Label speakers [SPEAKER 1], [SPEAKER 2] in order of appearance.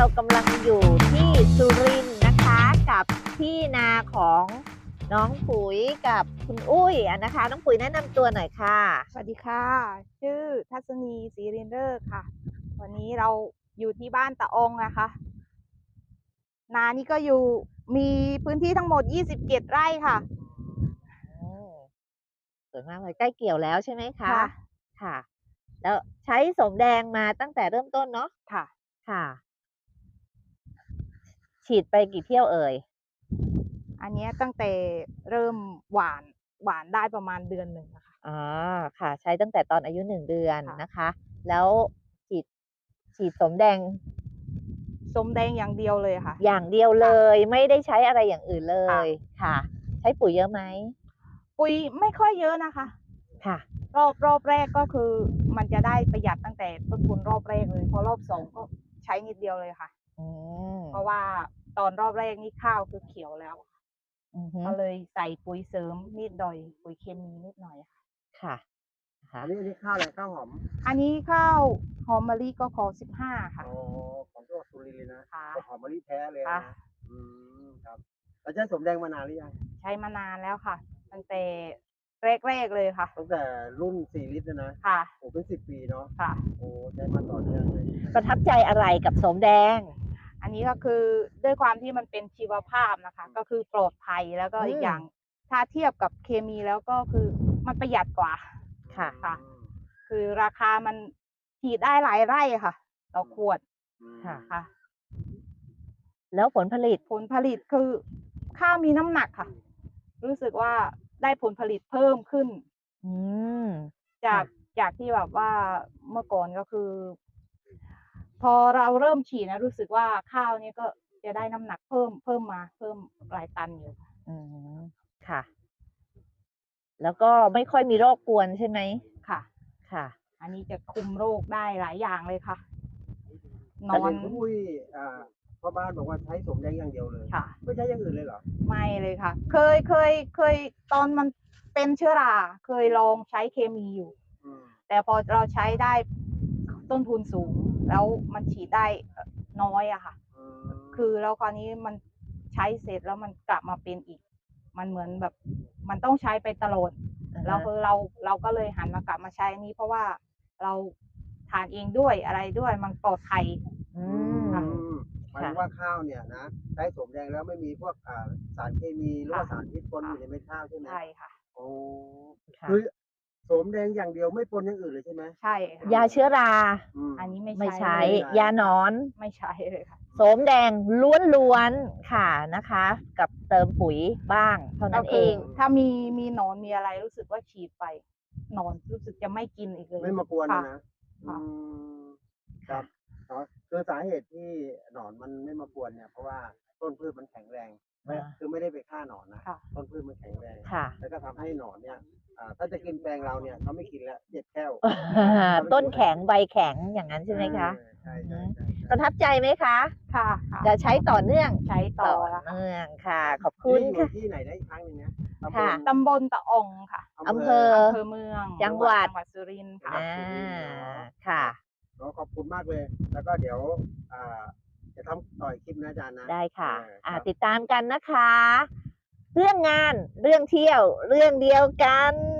[SPEAKER 1] เรากำลังอยู่ที่สุรินทร์นะคะกับที่นาของน้องปุ๋ยกับคุณอุ้ยนะคะ น้องปุ๋ยแนะนำตัวหน่อยค่ะ
[SPEAKER 2] สวัสดีค่ะ ชื่อทัศนีศรีรินเดอร์ค่ะ วันนี้เราอยู่ที่บ้านตะองนะคะ นานี่ก็มีพื้นที่ทั้งหมด27 ไร่ค่ะ
[SPEAKER 1] สวยมากเลยใกล้เกี่ยวแล้วใช่ไหมคะ
[SPEAKER 2] ค่ะ
[SPEAKER 1] ค่ะ แล้วใช้สมแดงมาตั้งแต่เริ่มต้นเนาะ
[SPEAKER 2] ค่ะ
[SPEAKER 1] ค่ะ ฉีดไปกี่เที่ยวเอ่ย
[SPEAKER 2] อันนี้ตั้งแต่เริ่มหวานได้ประมาณเดือนหนึ่งนะคะ
[SPEAKER 1] อ๋อ ค่ะ ใช้ตั้งแต่ตอนอายุ1 เดือน
[SPEAKER 2] ค่ะ
[SPEAKER 1] นะคะ แล้วฉีดสมแดง
[SPEAKER 2] ส้มแดงอย่างเดียวเลยค่ะ
[SPEAKER 1] อย่างเดียวเลย ไม่ได้ใช้อะไรอย่างอื่นเล
[SPEAKER 2] ค่ะ
[SPEAKER 1] ย ค่ะ ใช้ปุ๋ยเยอะไหม
[SPEAKER 2] ปุ๋ยไม่ค่อยเยอะนะคะ
[SPEAKER 1] ค่ะ
[SPEAKER 2] รอบแรกก็คือมันจะได้ประหยัดตั้งแต่ต้นทุนรอบแรกเลยพอรอบสองก็ใช้นิดเดียวเลยค่ะ
[SPEAKER 1] อืม
[SPEAKER 2] เพราะว่าตอนรอบแรกนี่ข้าวคือเขียวแล้ว
[SPEAKER 1] อือฮึ
[SPEAKER 2] ก็เลยใส่ปุ๋ยเสริมนิดหน่อยปุ๋ยเคมีนิดหน่อยค่ะ
[SPEAKER 1] ค่ะ
[SPEAKER 3] อันนี้ข้าวอะไรข้าวหอม
[SPEAKER 2] อันนี้ข้าวหอมมะลิก็ขอ15ค่ะ
[SPEAKER 3] อ๋อของจังหวัดสุรินทร์เลยนะ
[SPEAKER 2] ค่ะ
[SPEAKER 3] หอมมะลิแท้เลย
[SPEAKER 2] ค่ะ
[SPEAKER 3] นะครับแล้วใช้สมแดงมานานหรือยัง
[SPEAKER 2] ใช้มานานแล้วค่ะ ตั้งแต่แรกเลยค่ะ
[SPEAKER 3] ตั้งแต่รุ่น4 ลิตรนะ
[SPEAKER 2] ค่ะ
[SPEAKER 3] โอ้เป็น10 ปีเนาะ
[SPEAKER 2] ค่ะ
[SPEAKER 3] โอ้ใช้มาต่อเนื่องเลย
[SPEAKER 1] ประทับใจอะไรกับสมแดง
[SPEAKER 2] อันนี้ก็คือด้วยความที่มันเป็นชีวภาพนะคะ ก็คือปลอดภัยแล้วก็อีกอย่าง ถ้าเทียบกับเคมีแล้วก็คือมันประหยัดกว่า
[SPEAKER 1] ค่ะ
[SPEAKER 2] ค่ะ คือราคามันฉีดได้หลายไร่ค่ะ ต่อขวด
[SPEAKER 1] ค่ะ
[SPEAKER 2] ค่ะ
[SPEAKER 1] แล้วผลผลิต
[SPEAKER 2] ผลผลิตคือข้าวมีน้ำหนักค่ะ รู้สึกว่าได้ผลผลิตเพิ่มขึ้น
[SPEAKER 1] อืม
[SPEAKER 2] จากที่แบบว่าเมื่อก่อนก็คือ พอเราเริ่มฉีดนะรู้สึกว่าข้าวนี้ก็จะได้น้ำหนักเพิ่มหลายตันอยู่ค่ะ
[SPEAKER 1] อืม ค่ะ แล้วก็ไม่ค่อยมีโรคกวนใช่ไหม
[SPEAKER 2] ค่ะ
[SPEAKER 1] ค่ะ
[SPEAKER 2] อันนี้จะคุมโรคได้หลายอย่างเลยค่ะ น
[SPEAKER 3] แต่
[SPEAKER 2] อ
[SPEAKER 3] เห็
[SPEAKER 2] น
[SPEAKER 3] นคุณอุ้ยพ่อบ้านบอกว่าใช้สมแดงอย่างเดียวเลย
[SPEAKER 2] ค่ะ
[SPEAKER 3] ไม่ใช้อย่างอื่นเลยเหรอ
[SPEAKER 2] ไม่เลยค่ะ เคยตอนมันเป็นเชื้อราเคยลองใช้เคมีอยู่
[SPEAKER 3] อืม
[SPEAKER 2] แต่พอเราใช้ได้ต้นทุนสูง แล้วมันฉีดได้น้อยอะค่ะ คือแล้วคราวนี้มันใช้เสร็จแล้วมันกลับมาเป็นอีก มันเหมือนแบบมันต้องใช้ไปตลอด แล้วคือเราก็เลยหันมากลับมาใช้นี้ เพราะว่าเราทานเองด้วยอะไรด้วยมันปลอดภัย
[SPEAKER 1] อืม
[SPEAKER 3] หมายถึงว่าข้าวเนี่ยนะใช้สมแดงแล้วไม่มีพวกสารเคมีหรือว่าสารพิษปนอยู่ในเม็ดข้าวใช่ไหม
[SPEAKER 2] ใช่ค่ะ
[SPEAKER 3] โอ้
[SPEAKER 1] ค่ะ
[SPEAKER 3] คือสมแดงอย่างเดียวไม่ปนอย่างอื่นเลยใช่ไหม
[SPEAKER 2] ใช่ค่ะ
[SPEAKER 1] ยาเชื้อรา
[SPEAKER 2] อันนี้
[SPEAKER 1] ไม่
[SPEAKER 2] ไม่
[SPEAKER 1] ใช้
[SPEAKER 2] เลย
[SPEAKER 1] ยาหนอน
[SPEAKER 2] ไม่ใช้เลยค่ะ
[SPEAKER 1] โสมแดงล้วนๆ ค่ะนะคะ กับเติมปุ๋ยบ้างเท่า
[SPEAKER 2] ก็
[SPEAKER 1] นั้นเอ
[SPEAKER 2] คือง ถ้ามีหนอนมีอะไรรู้สึกว่าฉีดไปหนอนรู้สึกจะไม่กินอีกเลย
[SPEAKER 3] ไม่มากวน
[SPEAKER 2] ค่ะ
[SPEAKER 3] นะ
[SPEAKER 2] ค่ะ
[SPEAKER 3] ครับเนาะคือสาเหตุที่หนอนมันไม่มากวนเนี่ยเพราะว่าต้นพืชมันแข็งแรง คือไม่ได้ไปฆ่าหนอนนะ
[SPEAKER 2] ค่ะ
[SPEAKER 3] ต้นพืชมันแข็งแรง
[SPEAKER 1] ค่ะ
[SPEAKER 3] แล้วก็ทำให้หนอนเนี่ยถ้าจะกินแปลงเราเนี่ยเขาไม่กินแล้วเจ็บแค่ว
[SPEAKER 1] ต้นแข็งใบแข็งอย่างนั้นใช่ไหมคะ
[SPEAKER 3] ใช่
[SPEAKER 1] ประทับใจไหมคะ
[SPEAKER 2] ค่ะค่ะ
[SPEAKER 1] จะใช้ต่อเนื่อง
[SPEAKER 2] ใช้ต่อแล้วค่ะ
[SPEAKER 1] เนื่องค่ะ ขอบ
[SPEAKER 3] คุ
[SPEAKER 1] คุณ ณ
[SPEAKER 3] อยู่
[SPEAKER 1] ค่ะ
[SPEAKER 3] ที่ไหนได้อีกครั้งหนึ่งนะ
[SPEAKER 1] ค่ะ
[SPEAKER 2] ตำบลตะองค่ะ
[SPEAKER 1] อำเภอ
[SPEAKER 2] อำเภอเมือง
[SPEAKER 1] จังหวัด
[SPEAKER 2] สุรินทร์ค่ะ
[SPEAKER 1] ค่ะ
[SPEAKER 3] ขอบคุณมากเลย แล้วก็เดี๋ยวจะทำต่อยคลิปนะอาจารย์นะ
[SPEAKER 1] ได้ค่ะ
[SPEAKER 3] ครับ
[SPEAKER 1] ติดตามกันนะคะ เรื่องงาน เรื่องเที่ยว เรื่องเดียวกัน